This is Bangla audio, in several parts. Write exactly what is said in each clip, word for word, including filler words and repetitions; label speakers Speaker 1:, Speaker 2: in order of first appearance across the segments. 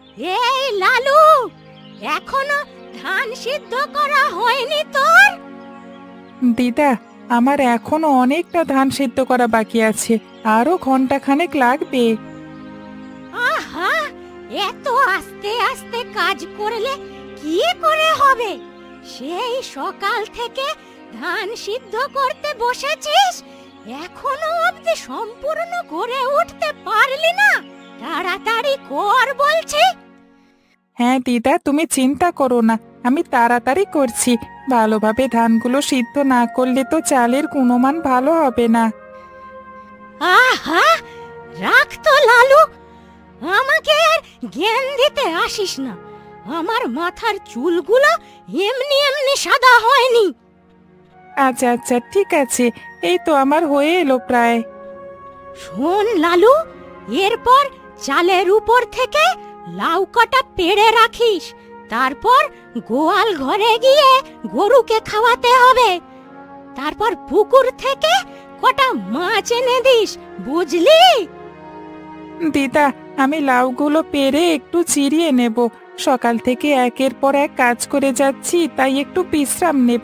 Speaker 1: এই লালু, এখনো ধান সিদ্ধ করা হয়নি তোর?
Speaker 2: দিদা, আমার এখনো অনেকটা ধান সিদ্ধ করা বাকি আছে, আরো ঘন্টা খানেক লাগবে।
Speaker 1: আহা, এত আস্তে আস্তে কাজ করলে কি করে হবে? সেই সকাল থেকে ধান সিদ্ধ করতে বসেছিস, এখনো অবধি সম্পূর্ণ করে উঠতে পারলি না? তাড়াতাড়ি কর বলছি।
Speaker 2: হ্যাঁ দিদা, তুমি চিন্তা করো না, আমি তাড়াতাড়ি করছি। ভালোভাবে ধানগুলো সিদ্ধ না করলে তো চালের গুণমান ভালো হবে না।
Speaker 1: আহা, রাখ তো লালু, আমাকে আর জ্ঞান দিতে আসিস না। আমার মাথার চুলগুলো এমনি এমনি সাদা হয়নি।
Speaker 2: আচ্ছা আচ্ছা, ঠিক আছে, এই তো আমার হয়ে এলো প্রায়।
Speaker 1: শোন লালু, এরপর চালের উপর থেকে লাউ কটা পেড়ে রাখিস। তারপর গোয়াল ঘরে গিয়ে গরুকে খাওয়াতে হবে। তারপর পুকুর থেকে কটা মাছ এনে দিস, বুঝলি?
Speaker 2: দিদা, আমি লাউগুলো পেরে একটু চিরিয়ে নেব। সকাল থেকে একের পর এক কাজ করে যাচ্ছি, তাই একটু বিশ্রাম নেব।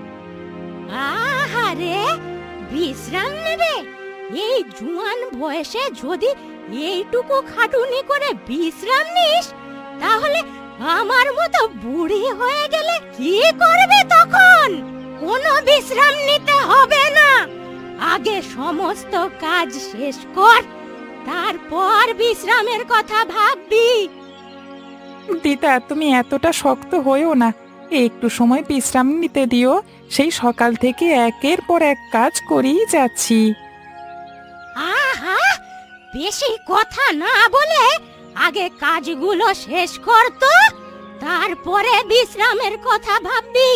Speaker 1: আহারে, বিশ্রাম নেবে? এই জুয়ান বয়সে যদি এইটুকু খাটুনি করে বিশ্রাম নিস, তাহলে আমার মতো বুড়ি হয়ে গেলে কি করবে তখন? কোনো বিশ্রাম নিতে হবে না। আগে সমস্ত কাজ শেষ কর, তারপর বিশ্রামের কথা ভাববি।
Speaker 2: দিদা, তুমি এতটা শক্ত হয়েও না, একটু সময় বিশ্রাম নিতে দিও। সেই সকাল থেকে একের পর এক কাজ করেই যাচ্ছি।
Speaker 1: আহা, বেশি কথা না বলে আগে কাজগুলো শেষ কর তো, তারপরে বিশ্রামের কথা ভাববি।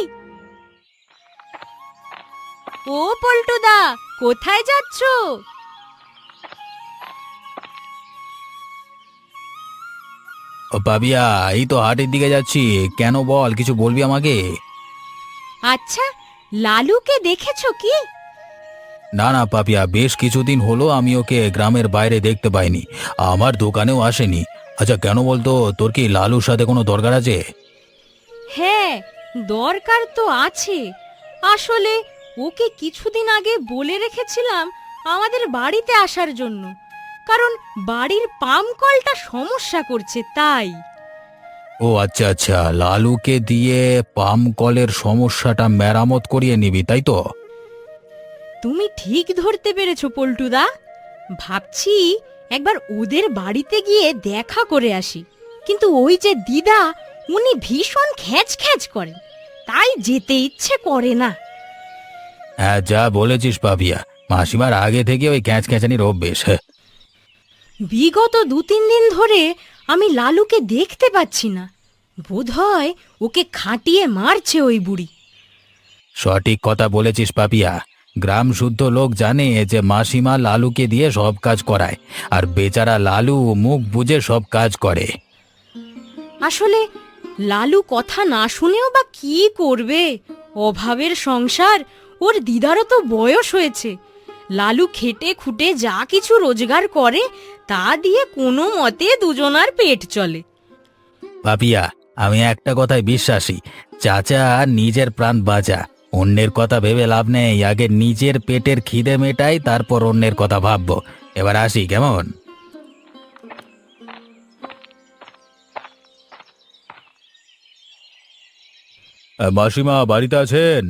Speaker 1: ও পল্টুদা, কোথায় যাচ্ছো?
Speaker 3: ও পাবিয়া, এই তো হাটের দিকে যাচ্ছি। কেন বল, কিছু বলবি আমাকে?
Speaker 1: আচ্ছা, লালুকে দেখেছো কি?
Speaker 3: না না পাপিয়া, বেশ কিছুদিন হলো আমি ওকে গ্রামের বাইরে দেখতে পাইনি, আমার দোকানেও আসেনি। আচ্ছা কেন বলতো, তোর কি লালুর সাথে কোনো দরকার আছে?
Speaker 1: হ্যাঁ, দরকার তো আছে। আসলে ওকে কিছুদিন আগে বলে রেখেছিলাম আমাদের বাড়িতে আসার জন্য, কারণ বাড়ির পাম্প কলটা সমস্যা করছে, তাই।
Speaker 3: ও আচ্ছা আচ্ছা, লালুকে দিয়ে পাম কলের সমস্যাটা মেরামত করিয়ে নিবি, তাই তো?
Speaker 1: তুমি ঠিক ধরতে পেরেছো পল্টুদা। ভাবছি একবার ওদের বাড়িতে গিয়ে দেখা করে আসি, কিন্তু ওই যে দিদা, উনি ভীষণ খ্যাচ খ্যাচ করেন, তাই যেতে ইচ্ছে করে না।
Speaker 3: হ্যাঁ, যা বলেছিস পাপিয়া, মাসিমার আগে থেকে ওই ক্যাঁচ ক্যাঁচানির অভ্যেস। হ্যাঁ,
Speaker 1: বিগত দু তিন দিন ধরে আমি লালুকে দেখতে পাচ্ছি না। বোধহয় ওকে খাটিয়ে মারছে ওই বুড়ি।
Speaker 3: সঠিক কথা বলেছিস পাপিয়া। গ্রাম শুদ্ধ লোক জানে যে মাসিমা লালুকে দিয়ে সব কাজ করায়, আর বেচারা লালু মুখ বুজে সব কাজ করে।
Speaker 1: আসলে লালু কথা না শুনেও বা কি করবে? অভাবের সংসার, ওর দিদারও তো বয়স হয়েছে। লালু খেটে খুটে যা কিছু রোজগার করে, তা দিয়ে কোনো মতে দুজনার পেট চলে।
Speaker 3: পাপিয়া, আমি একটা কথায় বিশ্বাসী, চাচা নিজের প্রাণ বাঁচা, অন্যের কথা ভেবে লাভ নেই। আগে নিজের পেটের খিদে মেটাই, তারপর অন্যের কথা ভাববো। এবার আসি, কেমন? মাসিমা বাড়িতে আছেন?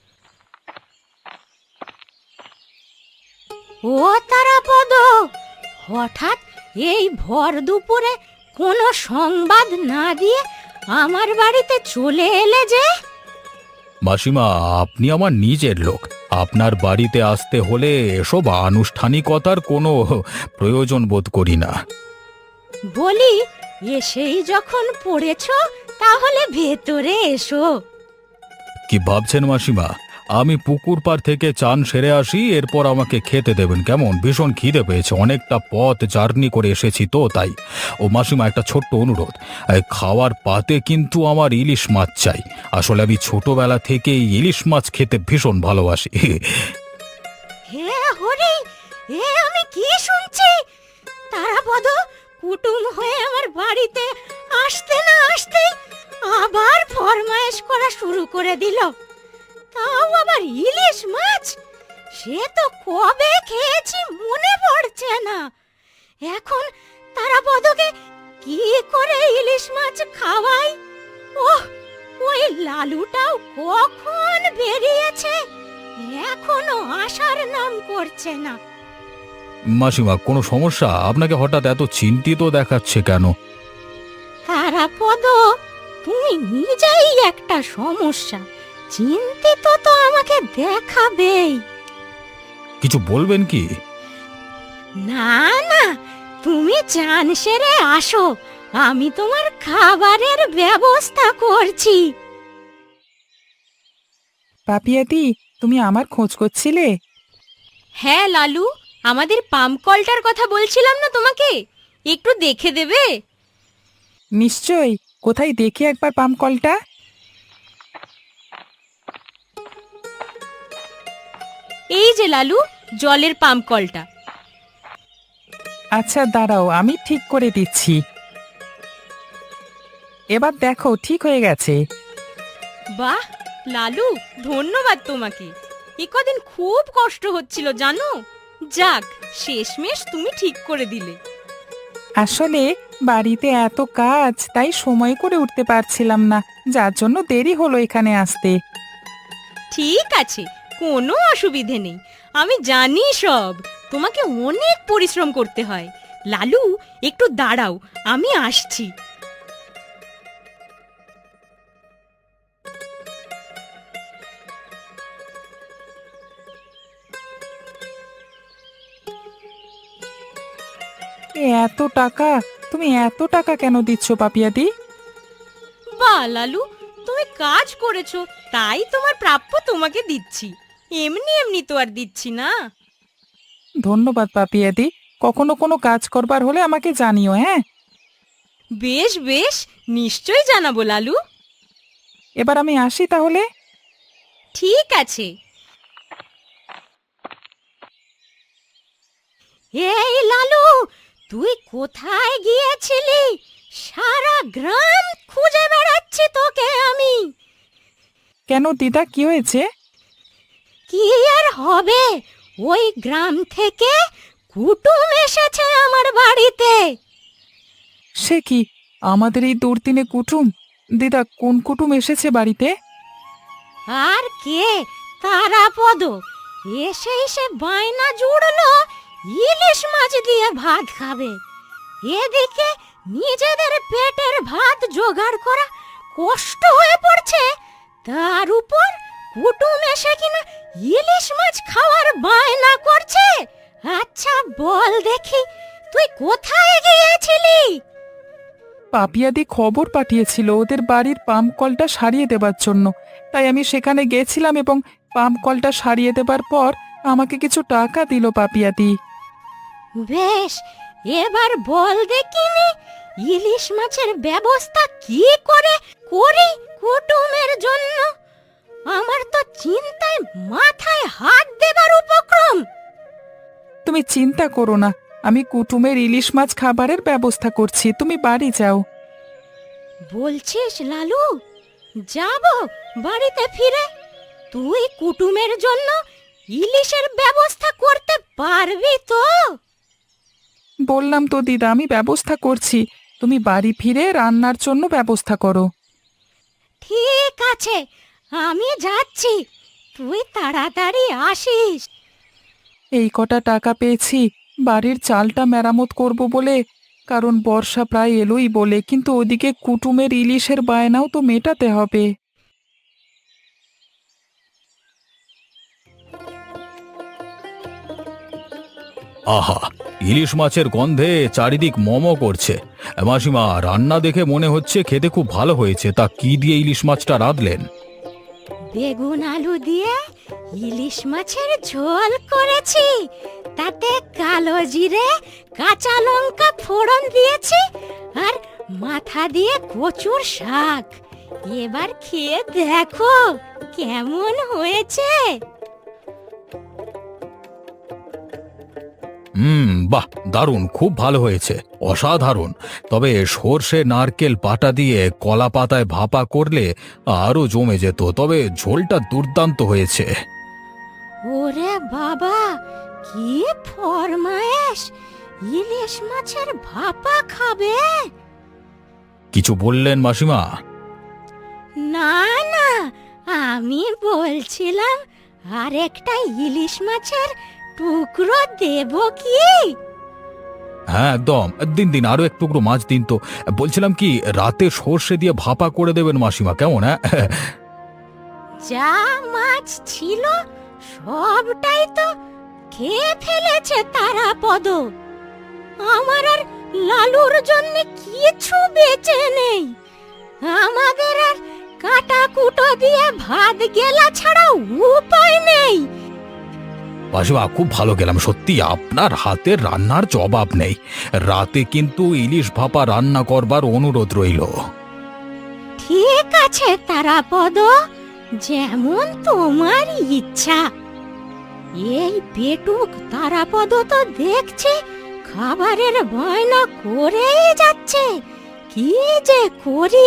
Speaker 1: ও তারাপদ, হঠাৎ এই ভর দুপুরে কোনো সংবাদ না দিয়ে আমার বাড়িতে চলে এলে যে?
Speaker 3: মাসিমা, আপনি আমার নিজের লোক, আপনার বাড়িতে আসতে হলে এসব আনুষ্ঠানিকতার কোনো প্রয়োজন বোধ করি না।
Speaker 1: বলি, এসেই যখন পড়েছ, তাহলে ভেতরে এসো।
Speaker 3: কি ভাবছেন মাসিমা? আমি পুকুর পাড় থেকে চান সেরে আসি, এরপর আমাকে খেতে দেবেন কেমন? ভীষণ খিদে পেয়েছে, অনেকটা পথ জার্নি করে এসেছি তো, তাই। ও মাসিমা, একটা ছোট্ট অনুরোধ, এই খাওয়ার পাতে কিন্তু আমার ইলিশ মাছ চাই। আসলে আমি ছোটবেলা থেকেই ইলিশ মাছ খেতে ভীষণ ভালোবাসি।
Speaker 1: হে হরি, এ আমি কি শুনছি? তারাপদ কুটুম হয়ে আমার বাড়িতে আসতে না আসতেই আবার ফরমায়েশ করা শুরু করে দিল। তাও আবার ইলিশ মাছ। সে তো কবে খেয়েছি মনে পড়ছে না। এখন তারাপদকে কি করে ইলিশ মাছ খাওয়াই? ওহ, ওই লালুটাও কখন বেরিয়েছে, এখনো আসার নাম করছে না।
Speaker 3: মাসিমা, কোনো সমস্যা? আপনাকে হঠাৎ এত চিন্তিত দেখাচ্ছে কেন?
Speaker 1: তারাপদ, তুমি নিজেই একটা সমস্যা। চিন্তিত তো আমাকে দেখাবেই।
Speaker 3: কিছু বলবেন কি?
Speaker 1: না না, তুমি চান সেরে আসো, আমি তোমার খাবারের ব্যবস্থা করছি।
Speaker 2: পাপিয়াদি, তুমি আমার খোঁজ করছিলে?
Speaker 1: হ্যাঁ লালু, আমাদের পাম্প কলটার কথা বলছিলাম না তোমাকে, একটু দেখে দেবে?
Speaker 2: নিশ্চয়ই। কোথায় দেখি একবার পাম্প কলটা।
Speaker 1: এই যে লালু, জলের পাম্প কলটা।
Speaker 2: আচ্ছা দাঁড়াও, আমি ঠিক করে দিচ্ছি। এবার দেখো, ঠিক হয়ে গেছে।
Speaker 1: বাহ লালু, ধন্যবাদ তোমাকে। এ কদিন খুব কষ্ট হচ্ছিল জানো। যাক, শেষমেশ তুমি ঠিক করে দিলে।
Speaker 2: আসলে বাড়িতে এত কাজ, তাই সময় করে উঠতে পারছিলাম না, যার জন্য দেরি হলো এখানে আসতে।
Speaker 1: ঠিক আছে, কোনো অসুবিধে নেই। আমি জানি সব, তোমাকে অনেক পরিশ্রম করতে হয়। লালু, একটু দাঁড়াও, আমি আসছি।
Speaker 2: এ এত টাকা! তুমি এত টাকা কেন দিচ্ছ পাপিয়াদি?
Speaker 1: বাহ লালু, তুমি কাজ করেছো, তাই তোমার প্রাপ্য তোমাকে দিচ্ছি। এমনি এমনি তো আর দিচ্ছি না।
Speaker 2: ধন্যবাদ পাপিয়াদি। কখনো কোনো কাজ করবার হলে আমাকে জানিও, হ্যাঁ?
Speaker 1: বেশ বেশ, নিশ্চয়ই জানাবো লালু।
Speaker 2: এবার আমি আসি তাহলে।
Speaker 1: ঠিক আছে। এই লালু, তুই কোথায় গিয়েছিলি? সারা গ্রাম খুঁজে বেড়াচ্ছি তোকে আমি।
Speaker 2: কেন দিদা, কি হয়েছে?
Speaker 1: কি আর হবে, ওই গ্রাম থেকে কুটুম এসেছে আমার বাড়িতে।
Speaker 2: সে কি, আমাদের এই দুর্দিনে কুটুম? দিদা, কোন কুটুম এসেছে বাড়িতে?
Speaker 1: আর কে, তারাপদ। এসে এসে বায়না জুড়লো ইলিশ মাছ দিয়ে ভাত খাবে। এদিকে নিজেদের পেটের ভাত জোগাড় করা কষ্ট হয়ে পড়ছে, তার উপর কুটুম এসে কিনা ইলিশ মাছ খাওয়ার বায়না করছে। আচ্ছা বল দেখি, তুই কোথায় গিয়েছিলি?
Speaker 2: পাপিয়াদি খবর পাঠিয়েছিল ওদের বাড়ির পাম্প কলটা সারিয়ে দেবার জন্য, তাই আমি সেখানে গেছিলাম এবং পাম্প কলটা সারিয়ে দেবার পর আমাকে কিছু টাকা দিল পাপিয়াদি।
Speaker 1: বেশ, এবার বল দেখিনি ইলিশ মাছের ব্যবস্থা কি করে করি কুটুমের জন্য। আমার তো চিন্তায় মাথায় হাত দেবার উপক্রম।
Speaker 2: তুমি চিন্তা করো না, আমি কুটুমের ইলিশ মাছ খাবারের ব্যবস্থা করছি, তুমি বাড়ি যাও।
Speaker 1: বলছিস লালু, যাব বাড়িতে ফিরে? তুই কুটুমের জন্য ইলিশের ব্যবস্থা করতে পারবি তো?
Speaker 2: বললাম তো দিদা, আমি ব্যবস্থা করছি, তুমি বাড়ি ফিরে রান্নার জন্য ব্যবস্থা করো।
Speaker 1: ঠিক আছে, আমি যাচ্ছি, তুই তাড়াতাড়ি আসিস।
Speaker 2: এই কটা টাকা পেয়েছি বাড়ির চালটা মেরামত করব বলে, কারণ বর্ষা প্রায় এলোই বলে, কিন্তু ওদিকে কুটুমের ইলিশের বায়নাও তো মেটাতে হবে।
Speaker 3: আহা, ইলিশ মাছের গন্ধে চারিদিক মমো করছে। মাসিমা, রান্না দেখে মনে হচ্ছে খেতে খুব ভালো হয়েছে। তা কি দিয়ে ইলিশ মাছটা রাঁধলেন?
Speaker 1: বেগুন আলু দিয়ে ইলিশ মাছের ঝোল করেছি, তাতে কালো জিরে কাঁচা লঙ্কা ফোড়ন দিয়েছি, আর মাথা দিয়ে কচুর শাক। এবার খেয়ে দেখো কেমন হয়েছে।
Speaker 3: হুম, বাহ, দারুণ, খুব ভালো হয়েছে, অসাধারণ। তবে সর্ষে নারকেল পাটা দিয়ে কলা পাতায় ভাপা করলে আরো জমে যেত, তবে ঝোলটা দুর্দান্ত হয়েছে।
Speaker 1: ওরে বাবা, কি ফরমায়েশ! ইলিশ মাছের ভাপা খাবে?
Speaker 3: কিছু বললেন মাসিমা?
Speaker 1: না না, আমি বলছিলাম আর একটা ইলিশ মাছের টুকরো দেব কি?
Speaker 3: হ্যাঁ, একদম, দিন দিন, আরো এক টুকরো মাছ দিন তো। বলছিলাম কি, রাতে সর্ষে দিয়ে ভাপা করে দেবেন মাসিমা, কেমন? হ্যাঁ।
Speaker 1: যা মাছ ছিল সবটাই তো খেয়ে ফেলেছে তারাপদ। আমার আর লালুর জন্য কিছু বেঁচে নেই। আমাদের আর কাটা কুটো দিয়ে ভাত গেলা ছাড়া উপায় নেই।
Speaker 3: মাসিমা, খুব ভালো গেলাম, সত্যি আপনার হাতের রান্নার জবাব নেই। রাতে কিন্তু ইলিশ ভাপা রান্না করবার অনুরোধ রইল।
Speaker 1: ঠিক আছে তারাপদ, যেমন তোমার ইচ্ছা। এই পেটুক তারাপদ তো দেখছি খাবারের বায়না করেই যাচ্ছে, কি যে করি।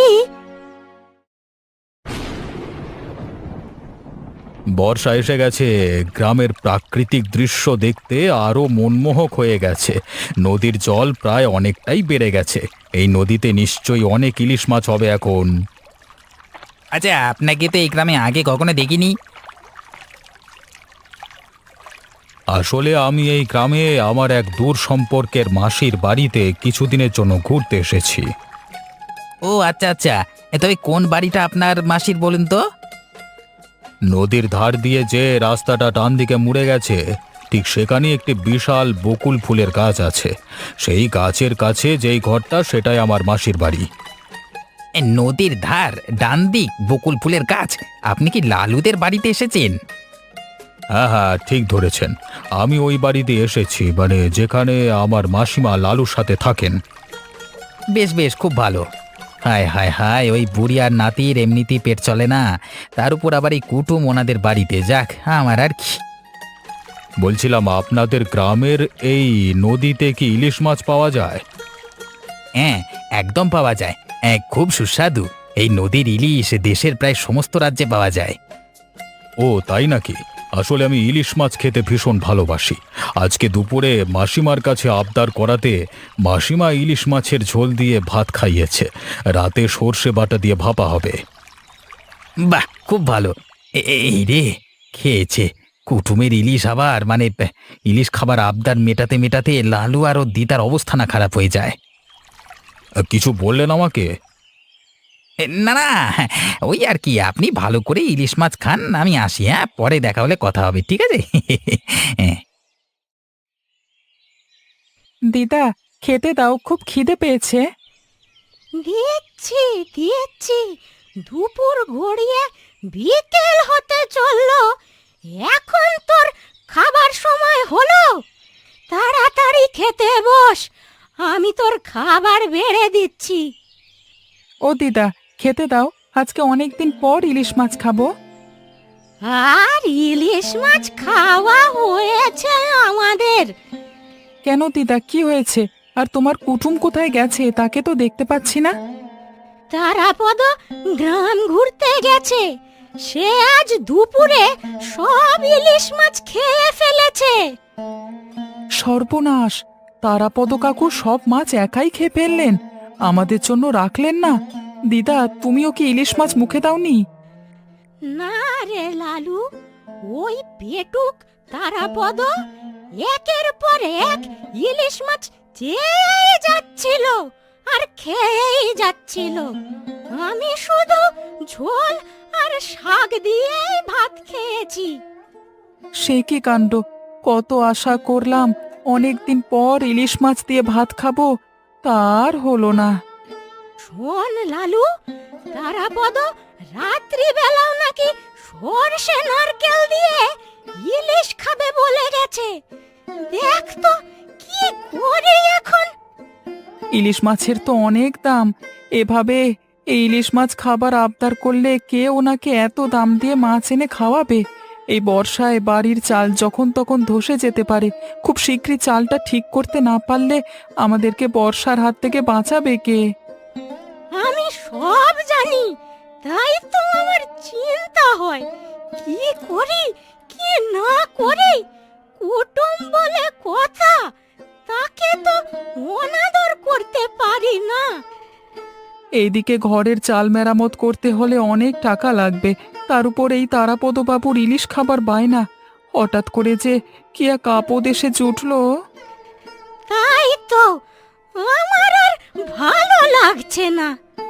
Speaker 3: বর্ষা এসে গেছে, গ্রামের প্রাকৃতিক দৃশ্য দেখতে আরো মনমোহক হয়ে গেছে। নদীর জল প্রায় অনেকটাই বেড়ে গেছে। এই নদীতে নিশ্চয়ই অনেক ইলিশ মাছ হবে এখন।
Speaker 4: আচ্ছা, আপনাকে তো এই গ্রামে আগে কখনো দেখিনি।
Speaker 3: আসলে আমি এই গ্রামে আমার এক দূর সম্পর্কের মাসির বাড়িতে কিছুদিনের জন্য ঘুরতে এসেছি।
Speaker 4: ও আচ্ছা আচ্ছা, এ তবে কোন বাড়িটা আপনার মাসির বলুন তো?
Speaker 3: নদীর ধার দিয়ে যে রাস্তাটা ডান দিকে মুড়ে গেছে, ঠিক সেখানে একটি বিশাল বকুল ফুলের গাছ আছে। সেই গাছের কাছে যেই ঘরটা, সেটাই আমার মাসির বাড়ি।
Speaker 4: এ নদীর ধার, ডান দিক, বকুল ফুলের গাছ। আপনি কি লালুদের বাড়িতে এসেছেন?
Speaker 3: হ্যাঁ হ্যাঁ, ঠিক ধরেছেন, আমি ওই বাড়িতে এসেছি, মানে যেখানে আমার মাসিমা লালুর সাথে থাকেন।
Speaker 4: বেশ বেশ, খুব ভালো। হায় হায় হায়, ওই বুড়ি আর নাতির এমনিতেই পেট চলে না, তার উপর আবার এই কুটুম ওনাদের বাড়িতে। যাক, আমার আর কি।
Speaker 3: বলছিলাম, আপনাদের গ্রামের এই নদীতে কি ইলিশ মাছ পাওয়া যায়?
Speaker 4: হ্যাঁ, একদম পাওয়া যায়। হ্যাঁ, খুব সুস্বাদু। এই নদীর ইলিশ দেশের প্রায় সমস্ত রাজ্যে পাওয়া যায়।
Speaker 3: ও তাই নাকি? আসলে আমি ইলিশ মাছ খেতে ভীষণ ভালোবাসি। আজকে দুপুরে মাসিমার কাছে আবদার করাতে মাসিমা ইলিশ মাছের ঝোল দিয়ে ভাত খাইয়েছে। রাতে সর্ষে বাটা দিয়ে ভাপা হবে।
Speaker 4: বাহ, খুব ভালো। এ- এ- এই রে, খেয়েছে কুটুমের ইলিশ আবার, মানে আহ, ইলিশ খাবার আবদার মেটাতে মেটাতে লালু আর ওর দিদার অবস্থা না খারাপ হয়ে যায়।
Speaker 3: কিছু বললেন আমাকে?
Speaker 4: এ, না না, ওই আর কি, আপনি ভালো করে ইলিশ মাছ খান, আমি আসি। হ্যাঁ, পরে দেখা হলে কথা হবে, ঠিক আছে? হ্যাঁ।
Speaker 2: দিদা, খেতে দাও, খুব খিদে পেয়েছে।
Speaker 1: দিচ্ছি দিচ্ছি, দুপুর গড়িয়ে বিকেল হতে চললো, এখন তোর খাবার সময় হলো। তাড়াতাড়ি খেতে বস, আমি তোর খাবার বেড়ে দিচ্ছি।
Speaker 2: ও দিদা, খেতে দাও, আজকে অনেকদিন পর ইলিশ মাছ খাবো।
Speaker 1: আর ইলিশ মাছ খাওয়া হয়েছে আমাদের।
Speaker 2: কেন দিদা, কি হয়েছে? আর তোমার কুটুম কোথায় গেছে? তাকে তো দেখতে পাচ্ছি না।
Speaker 1: তারাপদ গ্রাম ঘুরতে গেছে, সে আজ দুপুরে সব ইলিশ মাছ খেয়ে ফেলেছে।
Speaker 2: সর্বনাশ! তারাপদ কাকু সব মাছ একাই খেয়ে ফেললেন, আমাদের জন্য রাখলেন না। দিদা, তুমিও কি ইলিশ মাছ মুখে দাওনি?
Speaker 1: না রে লালু, ওই পেটুক তারাপদ একের পর এক ইলিশ মাছ চেয়ে যাচ্ছিল আর খেয়েই যাচ্ছিল। আমি শুধু ঝোল আর শাক দিয়েই ভাত খেয়েছি।
Speaker 2: সে কি কাণ্ড! কত আশা করলাম অনেকদিন পর ইলিশ মাছ দিয়ে ভাত খাবো, তার হলো না।
Speaker 1: শোন লালু, তারাপদ রাত্রি বেলাও নাকি সর্ষে নারকেল দিয়ে ইলিশ খাবে বলে গেছে। দেখ তো কি করি এখন।
Speaker 2: ইলিশ মাছের তো অনেক দাম, এভাবে এই ইলিশ মাছ খাবার আবদার করলে কে ওনাকে এত দাম দিয়ে মাছ এনে খাওয়াবে? এই বর্ষায় বাড়ির চাল যখন তখন ধসে যেতে পারে। খুব শীঘ্রই চালটা ঠিক করতে না পারলে আমাদেরকে বর্ষার হাত থেকে বাঁচাবে কে?
Speaker 1: আমি সব জানি, তাই তো আমার চিন্তা হয় কি করি কি না করি। কুটুম বলে কথা, তাকে তো অনাদর করতে পারি না।
Speaker 2: এইদিকে ঘরের চাল মেরামত করতে হলে অনেক টাকা লাগবে, তার উপর এই তারাপদ বাবুর ইলিশ খাবার বায়না। হঠাৎ করে যে কি এক আপদ এসে জুটলো।
Speaker 1: তাই তো আমার আর ভালো লাগছে না।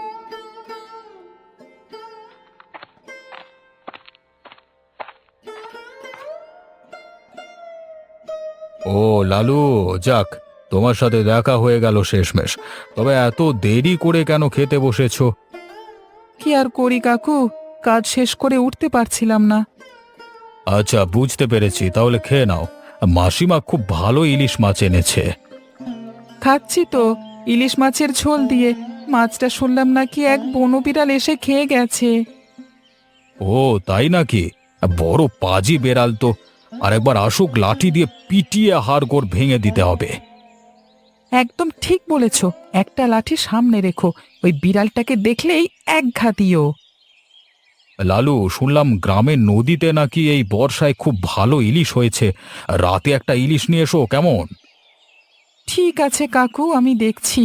Speaker 3: ও লালু, যাক, তোমার সাথে দেখা হয়ে গেল শেষমেশ। তবে এত দেরি করে কেন খেতে বসেছো?
Speaker 2: কি আর করি কাকু, কাজ শেষ করে উঠতে পারছিলাম না।
Speaker 3: আচ্ছা, বুঝতে পেরেছি, তাহলে খেয়ে নাও। মাসিমা খুব ভালো ইলিশ মাছ এনেছে।
Speaker 2: খাচ্ছি তো, ইলিশ মাছের ঝোল দিয়ে। মাছটা শুনলাম নাকি এক বনবিড়াল এসে খেয়ে গেছে।
Speaker 3: ও তাই নাকি? বড় পাজি বেড়াল তো। আরেকবার আসুক, লাঠি দিয়ে পিটিয়ে হাড়গোড় ভেঙে দিতে হবে।
Speaker 2: একদম ঠিক বলেছ, একটা লাঠি সামনে রেখো, ওই বিড়ালটাকে দেখলেই এক ঘা দিও।
Speaker 3: লালু, শুনলাম গ্রামের নদীতে নাকি এই বর্ষায় খুব ভালো ইলিশ হয়েছে। রাতে একটা ইলিশ নিয়ে এসো কেমন?
Speaker 2: ঠিক আছে কাকু, আমি দেখছি।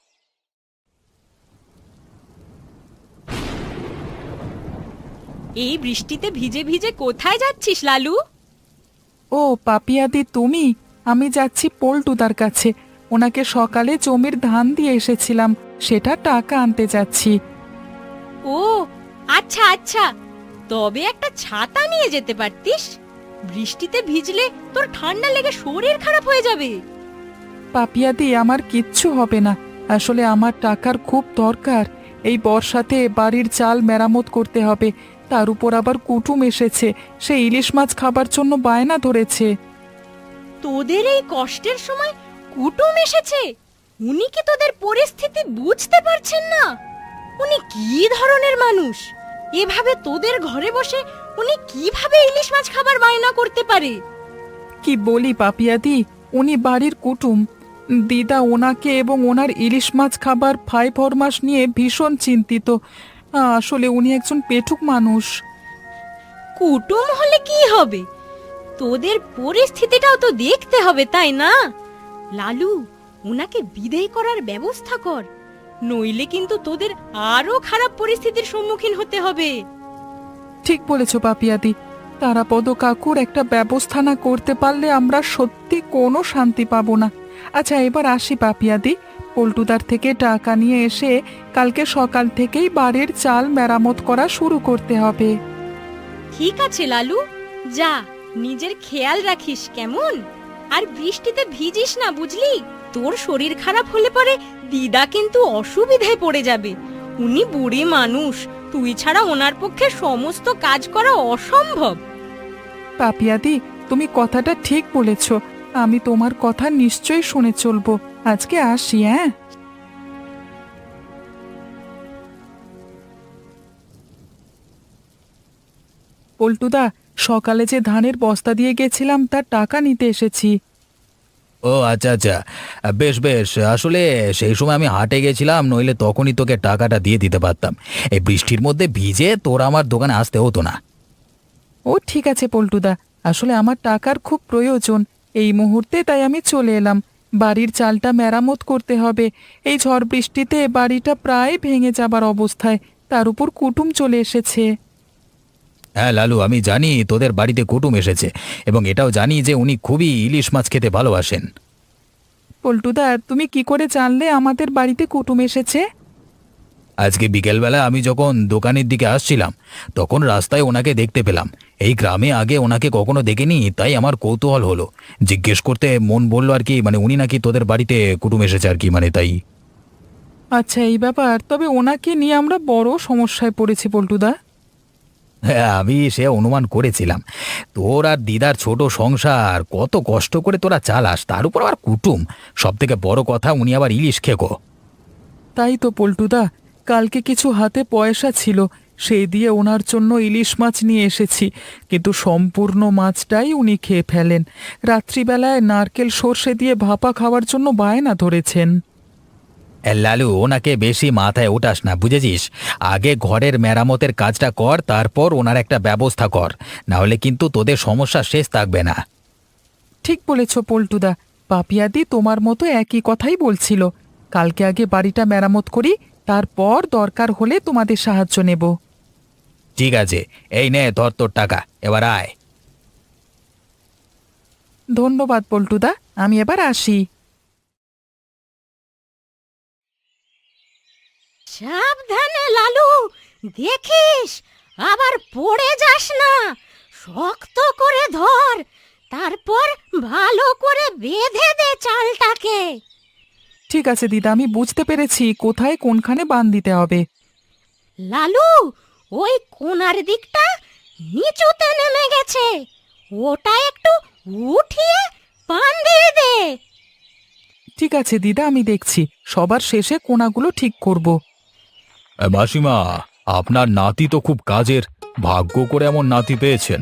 Speaker 1: এই বৃষ্টিতে ভিজে ভিজে কোথায় যাচ্ছিস লালু?
Speaker 2: ও পাপিয়াদি, তুমি? আমি যাচ্ছি পল্টুদার কাছে। ওনাকে সকালে জমির ধান দিয়ে এসেছিলাম, সেটা টাকা আনতে যাচ্ছি।
Speaker 1: ও আচ্ছা আচ্ছা, তবে একটা ছাতা নিয়ে যেতে পারতিস। বৃষ্টিতে ভিজলে তোর ঠান্ডা লেগে শরীর খারাপ হয়ে যাবে।
Speaker 2: পাপিয়াদি, আমার কিচ্ছু হবে না। আসলে আমার টাকার খুব দরকার। এই বর্ষাতে বাড়ির চাল মেরামত করতে হবে, তার উপর আবার কুটুম এসেছে, সে ইলিশ মাছ খাবার জন্য বায়না ধরেছে।
Speaker 1: তোদের এই কষ্টের সময় কুটুম এসেছে? উনি কি তোদের পরিস্থিতি বুঝতে পারছেন না? উনি কি ধরনের মানুষ? এভাবে তোদের ঘরে বসে উনি কিভাবে ইলিশ মাছ খাবার বায়না করতে পারে?
Speaker 2: কি বলি পাপিয়াদি, উনি বাড়ির কুটুম। দিদা ওনাকে এবং ওনার ইলিশ মাছ খাবার ফাই ফরমাস নিয়ে ভীষণ চিন্তিত। আসলে উনি একজন পেটুক মানুষ।
Speaker 1: কুটুম হলে কি হবে, তোদের পরিস্থিতিটাও তো দেখতে হবে, তাই না? লালু, উনাকে বিদায় করার ব্যবস্থা কর, নইলে কিন্তু তোদের আরো খারাপ পরিস্থিতির সম্মুখীন হতে হবে।
Speaker 2: ঠিক বলেছ পাপিয়াদি, তারাপদ কাকুর একটা ব্যবস্থা না করতে পারলে আমরা সত্যি কোনো শান্তি পাবো না। আচ্ছা, এবার আসি পাপিয়াদি। পল্টুদার থেকে টাকা নিয়ে এসে কালকে সকাল থেকেই বাড়ির চাল মেরামত করা শুরু করতে হবে।
Speaker 1: ঠিক আছে লালু, যা, নিজের খেয়াল রাখিস কেমন? আর বৃষ্টিতে ভিজিস না, বুঝলি? তোর শরীর খারাপ হলে পরে দিদা কিন্তু অসুবিধায় পড়ে যাবে। উনি বুড়ি মানুষ, তুই ছাড়া ওনার পক্ষে সমস্ত কাজ করা অসম্ভব।
Speaker 2: পাপিয়াদি, তুমি কথাটা ঠিক বলেছ। আমি তোমার কথা নিশ্চয়ই শুনে চলবো। আজকে আসি, হ্যাঁ? পল্টুদা, সকালে যে ধানের বস্তা দিয়ে গেছিলাম তার টাকা নিতে এসেছি।
Speaker 4: ও আচ্ছা আচ্ছা, বেশ বেশ। আসলে সেই সময় আমি হাটে গেছিলাম, নইলে তখনই তোকে টাকাটা দিয়ে দিতে পারতাম। এই বৃষ্টির মধ্যে ভিজে তোর আমার দোকানে আসতে হতো না।
Speaker 2: ও ঠিক আছে পল্টুদা, আসলে আমার টাকার খুব প্রয়োজন এই মুহূর্তে, তাই আমি চলে এলাম। বাড়ির চালটা মেরামত করতে হবে। এই ঝড় বৃষ্টিতে বাড়িটা প্রায় ভেঙে যাবার অবস্থায়, তার উপর কুটুম চলে এসেছে।
Speaker 4: হ্যাঁ লালু, আমি জানি তোদের বাড়িতে কুটুম এসেছে, এবং এটাও জানি যে উনি খুবই ইলিশ মাছ খেতে ভালোবাসেন।
Speaker 2: পল্টুদা, তুমি কি করে জানলে আমাদের বাড়িতে কুটুম এসেছে?
Speaker 4: আজকে বিকেলবেলা আমি যখন দোকানের দিকে আসছিলাম, তখন রাস্তায় ওনাকে দেখতে পেলাম। এই গ্রামে আগে ওনাকে কখনো দেখিনি, তাই আমার কৌতূহল হলো, জিজ্ঞেস করতে মন বললো আর কি, মানে উনি নাকি তোদের বাড়িতে কুটুম এসেছে আর কি, মানে তাই।
Speaker 2: আচ্ছা, এই ব্যাপার। তবে ওনাকে নিয়ে আমরা বড় সমস্যায় পড়েছি পল্টুদা।
Speaker 4: হ্যাঁ, আমি সে অনুমান করেছিলাম। তোর আর দিদার ছোট সংসার, কত কষ্ট করে তোরা চালাস, তার উপর আবার কুটুম। সব থেকে বড় কথা, উনি আবার ইলিশ খেকো।
Speaker 2: তাই তো পল্টুদা, কালকে কিছু হাতে পয়সা ছিল, সেই দিয়ে ওনার জন্য ইলিশ মাছ নিয়ে এসেছি, কিন্তু সম্পূর্ণ মাছটাই উনি খেয়ে ফেলেন। রাত্রিবেলায় নারকেল সর্ষে দিয়ে ভাপা খাওয়ার জন্য বায়না ধরেছেন।
Speaker 4: এ লালু, ওনাকে বেশি মাথায় ওঠাস না, বুঝেছিস? আগে ঘরের মেরামতের কাজটা কর, তারপর ওনার একটা ব্যবস্থা কর, না হলে কিন্তু তোদের সমস্যা শেষ থাকবে না।
Speaker 2: ঠিক বলেছ পল্টুদা, পাপিয়াদি তোমার মতো একই কথাই বলছিল। কালকে আগে বাড়িটা মেরামত করি, তারপর দরকার হলে তোমাদের সাহায্য নেব।
Speaker 4: ঠিক আছে, এই নে ধর তোর টাকা, এবার আয়।
Speaker 2: ধন্যবাদ পল্টুদা, আমি এবার আসি।
Speaker 1: সাবধানে লালু, দেখিস আবার পড়ে যাস না। শক্ত করে ধর, তারপর ভালো করে বেঁধে দে চালটাকে।
Speaker 2: ঠিক আছে দিদা, আমি বুঝতে পেরেছি কোথায় কোনখানে বাঁধ দিতে হবে।
Speaker 1: লালু, ওই কোণার দিকটা নিচুতে নেমে গেছে, ওটা একটু উঠিয়ে বাঁধিয়ে দে।
Speaker 2: ঠিক আছে দিদা, আমি দেখছি, সবার শেষে কোণাগুলো ঠিক করব।
Speaker 3: এ, মাসিমা, আপনার নাতি তো খুব কাজের, ভাগ্য করে এমন নাতি পেয়েছেন।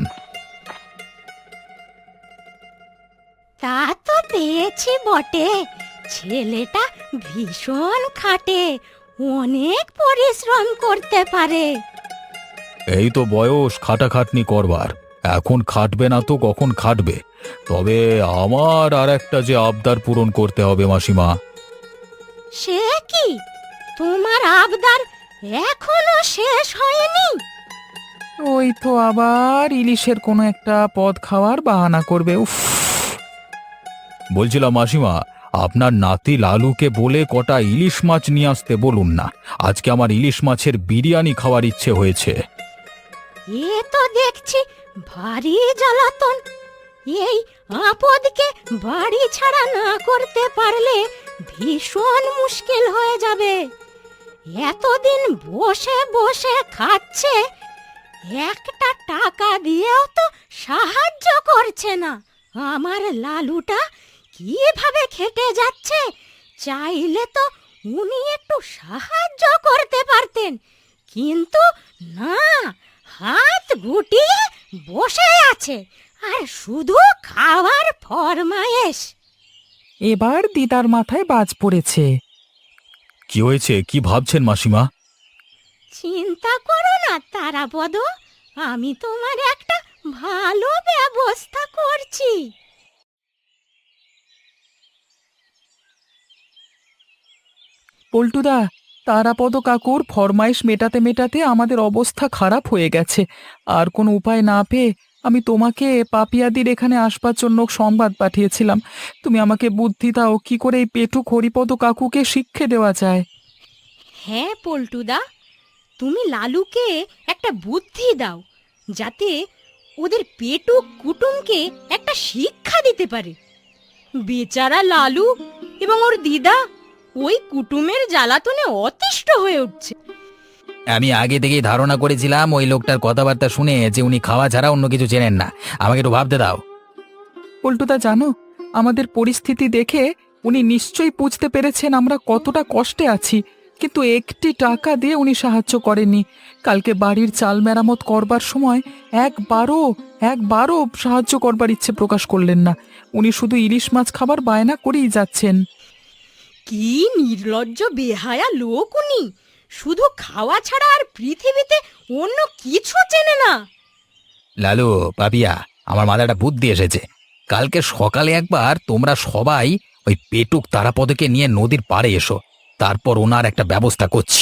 Speaker 1: তা তো পেয়েছি বটে, ছেলেটা ভীষণ খাটে, অনেক পরিশ্রম করতে পারে।
Speaker 3: এই তো বয়স খাটাখাটনি করবার, এখন খাটবে না তো কখন খাটবে? তবে আমার আর একটা যে আবদার পূরণ করতে হবে মাসিমা।
Speaker 1: সে কি, তোমার আবদার এখনো শেষ হয়নি?
Speaker 2: ওই তো আবার ইলিশের কোনো একটা পদ খাওয়ার বাহানা করবে। উফ,
Speaker 3: বলছিলাম মাসিমা, আপনার নাতি লালুকে বলে কটা ইলিশ মাছ নিয়ে আসতে বলুন না, আজকে আমার ইলিশ মাছের বিরিয়ানি খাওয়ার ইচ্ছে হয়েছে।
Speaker 1: এ তো দেখছি ভারী জ্বালাতন। এই আপদকে বাড়ি ছাড়া না করতে পারলে ভীষণ মুশকিল হয়ে যাবে। এতদিন বসে বসে খাচ্ছে, একটা টাকা দিয়েও তো সাহায্য করছে না। আমার লালুটা কিভাবে খেটে যাচ্ছে, চাইলে তো উনি একটু সাহায্য করতে পারতেন, কিন্তু না, হাত গুটিয়ে বসে আছে আর শুধু খাওয়ার ফরমায়েশ।
Speaker 2: এবার দিদার মাথায় বাজ পড়েছে।
Speaker 3: কি হয়েছে, কি ভাবছেন মাসিমা?
Speaker 1: চিন্তা করো না তারাপদ, আমি তোমার একটা ভালো ব্যবস্থা করছি।
Speaker 2: পল্টুদা, তারাপদ কাকুর ফরমাইশ মেটাতে মেটাতে আমাদের অবস্থা খারাপ হয়ে গেছে। আর কোনো উপায় না পেয়ে আমি তোমাকে পাপিয়াদির এখানে আসবার জন্য সংবাদ পাঠিয়েছিলাম। তুমি আমাকে বুদ্ধি দাও, কি করে এই পেটুক হরিপদ কাকুকে শিক্ষে দেওয়া যায়।
Speaker 1: হ্যাঁ পল্টুদা, তুমি লালুকে একটা বুদ্ধি দাও, যাতে ওদের পেটুক কুটুমকে একটা শিক্ষা দিতে পারে। বেচারা লালু এবং ওর দিদা ওই কুটুমের জ্বালাতনে অতিষ্ঠ হয়ে উঠছে।
Speaker 4: আমি আগে থেকেই ধারণা করেছিলাম ওই লোকটার কথাবার্তা শুনে যে উনি খাওয়া ছাড়া অন্য কিছু চেনেন না। আমাকে একটু ভাবতে দাও।
Speaker 2: পল্টুদা, জানো, আমাদের পরিস্থিতি দেখে উনি নিশ্চয়ই বুঝতে পেরেছেন আমরা কতটা কষ্টে আছি, কিন্তু একটি টাকা দিয়ে উনি সাহায্য করেননি। কালকে বাড়ির চাল মেরামত করবার সময় একবারও একবারও সাহায্য করবার ইচ্ছে প্রকাশ করলেন না। উনি শুধু ইলিশ মাছ খাবার বায়না করেই যাচ্ছেন।
Speaker 1: কি নির্লজ্জ বেহায়া লোক উনি, শুধু খাওয়া ছাড়া আর পৃথিবীতে অন্য কিছু চেনে না।
Speaker 4: লালু, পাপিয়া, আমার মাথাটা বুদ্ধি এসেছে। কালকে সকালে একবার তোমরা সবাই ওই পেটুক তারাপদকে নিয়ে নদীর পাড়ে এসো, তারপর ওনার একটা ব্যবস্থা করছি।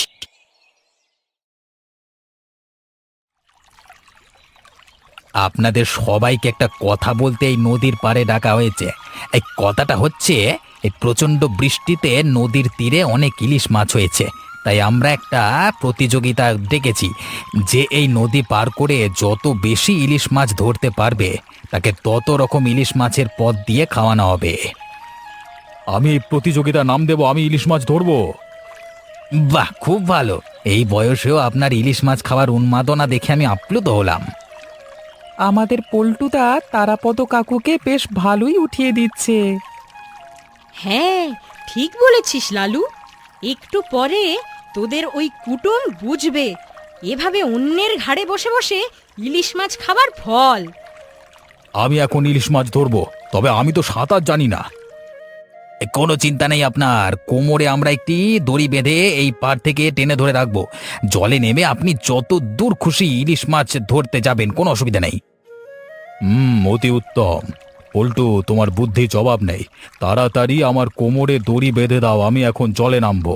Speaker 4: আপনাদের সবাইকে একটা কথা বলতে এই নদীর পাড়ে ডাকা হয়েছে। এই কথাটা হচ্ছে, এই প্রচণ্ড বৃষ্টিতে নদীর তীরে অনেক ইলিশ মাছ হয়েছে, তাই আমরা একটা প্রতিযোগিতা ডেকেছি যে এই নদী পার করে যত বেশি ইলিশ মাছ ধরতে পারবে তাকে তত রকম ইলিশ মাছের পদ দিয়ে খাওয়ানো হবে।
Speaker 3: আমি এই প্রতিযোগিতার নাম দেব আমি ইলিশ মাছ ধরবো।
Speaker 4: বাহ, খুব ভালো। এই বয়সেও আপনার ইলিশ মাছ খাওয়ার উন্মাদনা দেখে আমি আপ্লুত হলাম।
Speaker 2: আমাদের পল্টুদা তারাপদ কাকুকে বেশ ভালোই উঠিয়ে দিচ্ছে।
Speaker 1: হ্যাঁ, ঠিক বলেছিস লালু। একটু পরে তোদের ওই কুটুম বুঝবে এভাবে অন্যের ঘাড়ে বসে বসে ইলিশ মাছ খাবার ফল।
Speaker 3: আমি এখন ইলিশ মাছ ধরবো, তবে আমি তো সাঁতার জানি না।
Speaker 4: এ, কোনো চিন্তা নেই আপনার, কোমরে আমরা একটি দড়ি বেঁধে এই পার থেকে টেনে ধরে রাখবো। জলে নেমে আপনি যত দূর খুশি ইলিশ মাছ ধরতে যাবেন, কোনো অসুবিধা নেই।
Speaker 3: হুম, অতি উত্তম। পল্টু, তোমার বুদ্ধি জবাব নেই। তাড়াতাড়ি আমার কোমরে দড়ি বেঁধে দাও, আমি এখন জলে নামবো।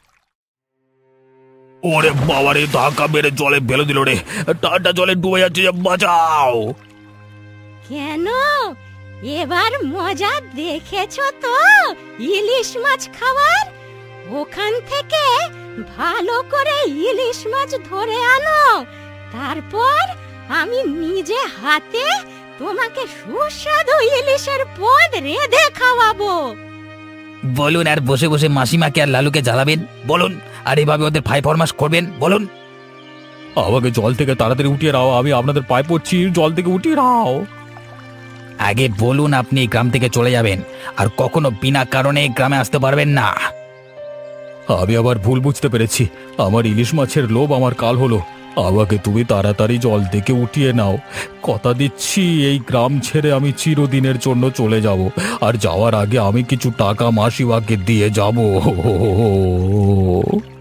Speaker 3: ওরে বাবারে, ধাক্কা মেরে জলে ফেলে দিল রে, টাটা জলে ডুবে যাচ্ছে, বাঁচাও।
Speaker 1: কেন এবার মজা দেখেছো তো ইলিশ মাছ খাবার? ওখান থেকে ভালো করে ইলিশ মাছ ধরে আনো, তারপর আমি নিজে হাতে তোমাকে সুস্বাদু ইলিশের পদ রেঁধে খাওয়াবো।
Speaker 4: বলুন, আর বসে বসে মাসিমাকে আর লালুকে জ্বালাবেন বলুন, আর এভাবে ওদের ফাই ফরমাস করবেন বলুন।
Speaker 3: আমাকে জল থেকে তাড়াতাড়ি উঠিয়ে নাও, আমি আপনাদের পায়ে পড়ছি, জল থেকে উঠিয়ে নাও।
Speaker 4: আগে বলুন আপনি এই গ্রাম থেকে চলে যাবেন, আর কখনো বিনা কারণে এই গ্রামে আসতে পারবেন না।
Speaker 3: আমি আবার ভুল বুঝতে পেরেছি, আমার ইলিশ মাছের লোভ আমার কাল হলো। আমাকে তুমি তাড়াতাড়ি জল থেকে উঠিয়ে নাও। কথা দিচ্ছি, এই গ্রাম ছেড়ে আমি চিরদিনের জন্য চলে যাব, আর যাওয়ার আগে আমি কিছু টাকা মাসিমাকে দিয়ে যাব।